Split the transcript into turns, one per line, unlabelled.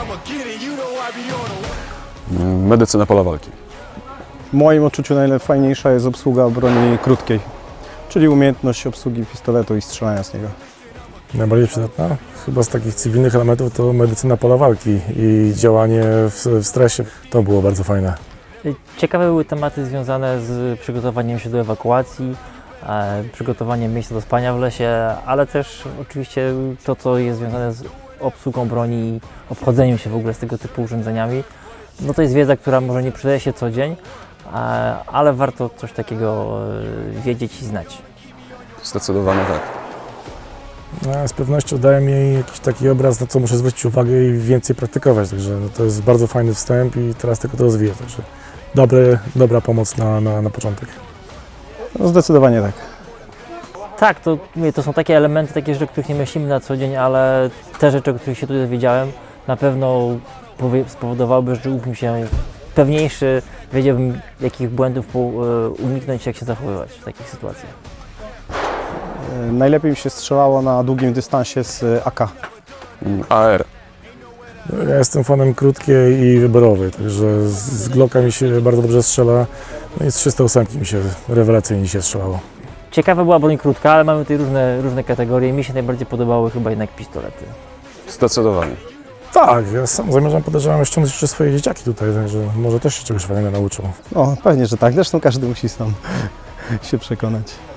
Medycyna pola walki.
W moim odczuciu najfajniejsza jest obsługa broni krótkiej, czyli umiejętność obsługi pistoletu i strzelania z niego.
Najbardziej przydatna? Chyba z takich cywilnych elementów to medycyna pola walki i działanie w stresie. To było bardzo fajne.
Ciekawe były tematy związane z przygotowaniem się do ewakuacji, przygotowaniem miejsca do spania w lesie, ale też oczywiście to, co jest związane z obsługą broni i obchodzeniem się w ogóle z tego typu urządzeniami. No to jest wiedza, która może nie przydaje się co dzień, ale warto coś takiego wiedzieć i znać.
Zdecydowanie tak.
Z pewnością daje mi jakiś taki obraz, na co muszę zwrócić uwagę i więcej praktykować, także to jest bardzo fajny wstęp i teraz tylko to rozwiję, także dobra pomoc na początek.
No, zdecydowanie tak.
Tak, to są takie elementy, takie rzeczy, o których nie myślimy na co dzień, ale te rzeczy, o których się tutaj dowiedziałem, na pewno spowodowałyby, że czułbym się pewniejszy, wiedziałbym, jakich błędów uniknąć, jak się zachowywać w takich sytuacjach.
Najlepiej mi się strzelało na długim dystansie z AK.
AR.
Ja jestem fanem krótkiej i wyborowej, także z Glocka mi się bardzo dobrze strzela, no i z 308 mi się rewelacyjnie się strzelało.
Ciekawa była broń krótka, ale mamy tutaj różne kategorie. Mi się najbardziej podobały chyba jednak pistolety.
Zdecydowanie.
Tak, ja sam zamierzam, podejrzewam, ściągnąć jeszcze swoje dzieciaki tutaj, także może też się czegoś fajnego nauczą.
O, pewnie, że tak. Zresztą każdy musi sam się przekonać.